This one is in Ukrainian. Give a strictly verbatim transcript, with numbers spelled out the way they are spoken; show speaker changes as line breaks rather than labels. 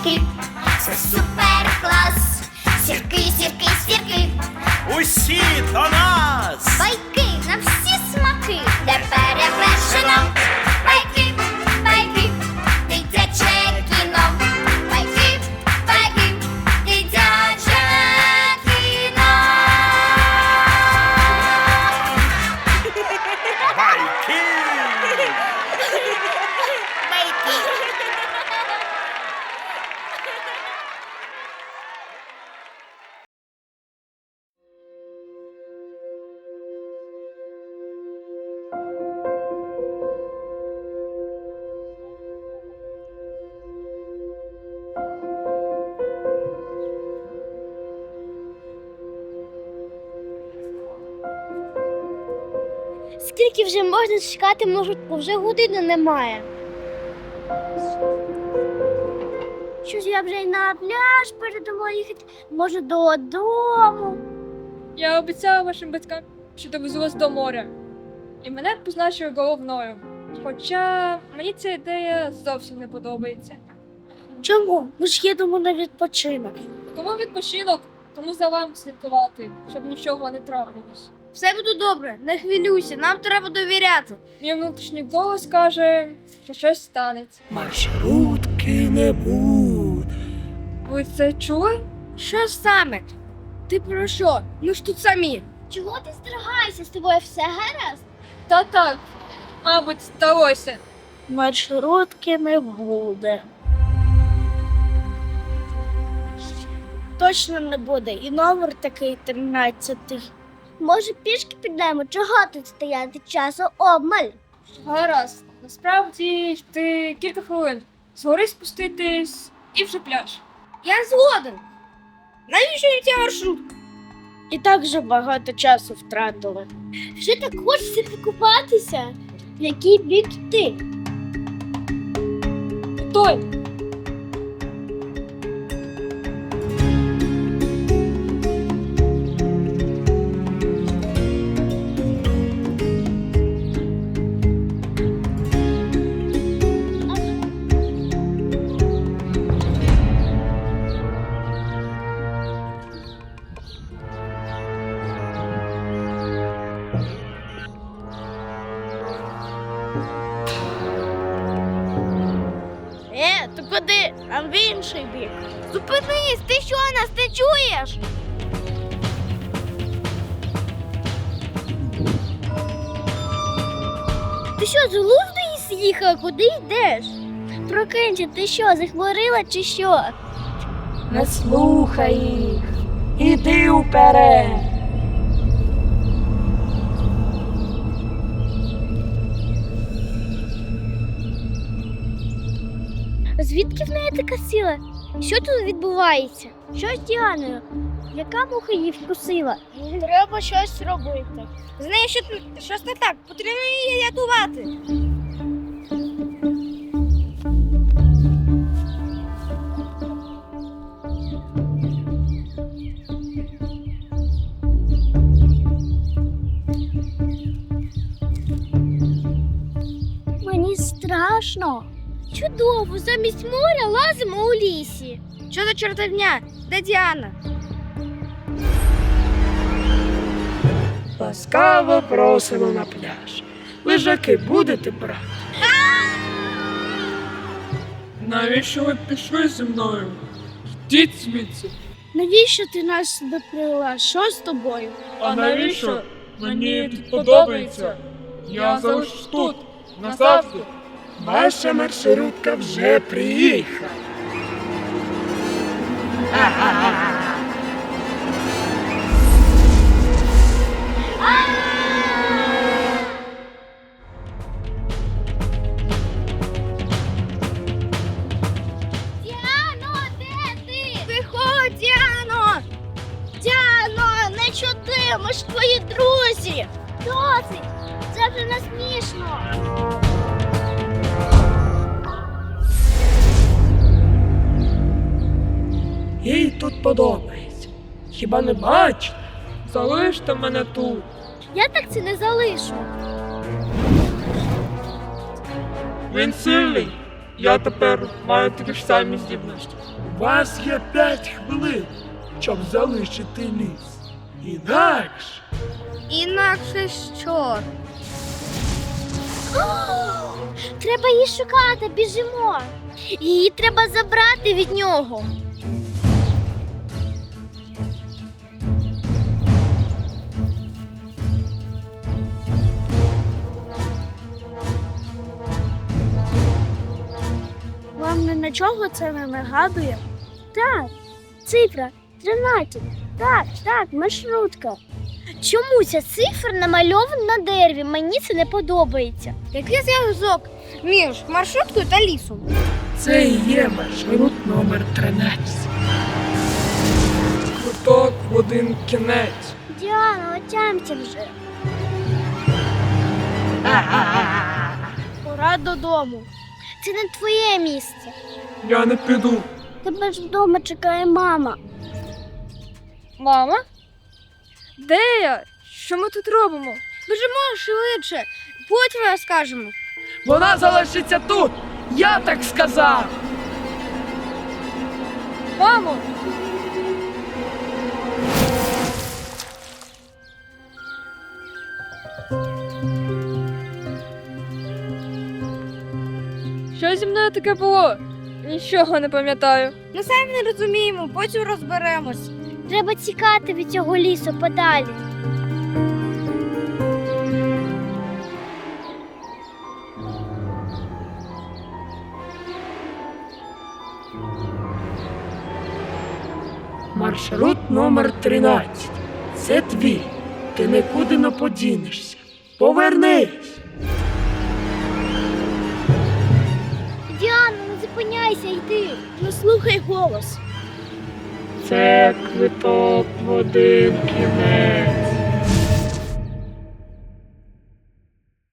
сірки, це супер клас. Сірки, сірки, сірки,
Усі до нас!
байки на всі смаки, де перевершено. Байки, байки, дитяче кіно. Байки, байки, дитяче кіно.
Байки!
Скільки вже можна чекати, може, вже години немає. Щось я вже й на пляж передумала їхати, може додому.
Я обіцяла вашим батькам, що довезу вас до моря. І мене позначили головною. Хоча мені ця ідея зовсім не подобається.
Чому? Ми ж їдемо на відпочинок.
Кому відпочинок, тому за вами слідкувати, щоб нічого не трапилось.
Все буде добре, не хвилюйся, нам треба довіряти.
Мій внутрішній голос каже, що щось станеться.
Маршрутки не буде.
Ви це чули?
Що саме? Ти про що? Ми ж тут самі. Чого ти здригаєшся? З тобою все гаразд?
Та так, мабуть, сталося.
Маршрутки не буде. Точно не буде. І номер такий тринадцятий. Може, пішки підемо? Чого тут стояти? Часу обмаль.
Гаразд. Насправді ти кілька хвилин. Згори спуститись і вже пляж.
Я згоден. Навіщо я ця маршрутка? І так вже багато часу втратили. Вже так хочеться покупатися. В який бік йти?
Той.
Е, ти куди? Нам в інший бік. Зупинись, ти що, нас не чуєш? Ти що, з глузду з'їхала? Куди йдеш? Прокинься, ти що, захворіла чи що?
Не слухай їх. Іди уперед.
Звідки в неї така сила? Що тут відбувається? Що з Діаною? Яка муха її вкусила? Треба щось робити. З нею що, щось не так, потрібно її рятувати. Мені страшно. Чудово, замість моря лазимо у лісі. Що за чортовня? Де Діана?
Ласкаво просимо на пляж. Лежаки будете брати?
Навіщо ви пішли зі мною? Йдіть звідси.
Навіщо ти нас сюди привела? Що з тобою?
А навіщо? Мені тут подобається. Я залишусь тут, назавжди.
Ваша маршрутка вже приїхала.
Діано, де ти? Виходь, Діано! Діано, не чути, ми ж твої друзі! Досить! Це вже не смішно!
Їй тут подобається. Хіба не бачите?
Залиште мене тут.
Я так це не залишу.
Він сильний. Я тепер маю такі ж самі здібності.
У вас є п'ять хвилин, щоб залишити ліс. Інакше
Інакше що? Треба її шукати, біжимо. Її треба забрати від нього. Вам ні на чого це не нагадує? Так, цифра тринадцять. Так, так, маршрутка. Чому ця цифра намальована на дереві? Мені це не подобається. Який зв'язок між маршруткою та лісом?
це і є маршрут номер тринадцять.
Квиток в один кінець.
Діана, отямся вже. Пора додому. Це не твоє місце.
Я не піду.
Тебе ж вдома чекає мама.
Мама? Де я? Що ми тут робимо?
Біжимо швидше, потім розкажемо.
Вона залишиться тут! Я так сказав!
Мамо! Що зі мною таке було? Нічого не пам'ятаю.
Ми самі не розуміємо, потім розберемось. Треба тікати від цього лісу подалі.
Маршрут номер тринадцять. Це твій. Ти нікуди не подінешся. Повернись!
Діана, не зупиняйся, йди. Не слухай голос.
Це квиток в один кінець.